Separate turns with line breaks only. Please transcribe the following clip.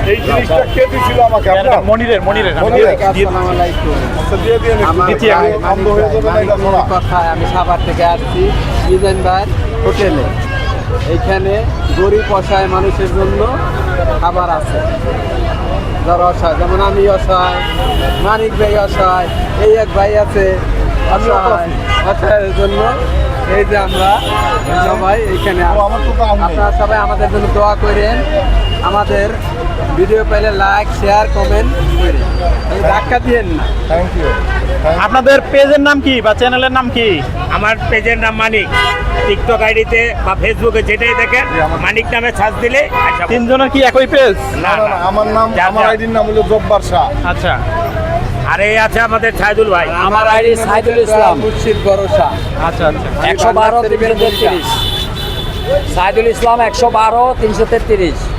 এই জিনিসটা কে দিছিল আমাকে? আপনার
মনিরের
কথায় আমি সাভার থেকে আসছি মিজান ভাইয়ের হোটেলে। এইখানে গরিব অসহায় মানুষের জন্য খাবার আছে, যারা অসহায়, যেমন আমি অসহায়, মানিক ভাই অসহায়, এই এক ভাই আছে অসহায়, অসহায়ের জন্য এই যে আমরা সবাই এইখানে আপনারা সবাই আমাদের জন্য দোয়া করেন, আমাদের ভিডিও পেলে লাইক শেয়ার কমেন্ট করেন, ধাক্কা দিয়েন না।
Thank you.
আপনাদের পেজের নাম কি বা চ্যানেলের নাম কি?
আমার পেজের নাম মানিক, টিকটক আইডিতে বা ফেসবুকে যেটাই দেখেন মানিক নামে সার্চ দিলে আসা পাবেন।
তিনজনের কি একই পেজ?
না না, আমার নাম, আমার আইডির নাম হলো জব্বার শাহ।
আচ্ছা,
আর এই আছে আমাদের সাইদুল ভাই।
আমার আইডি সাইদুল ইসলাম মুর্শিদ ভরসা।
আচ্ছা আচ্ছা।
112 333 সাইদুল ইসলাম 112 333।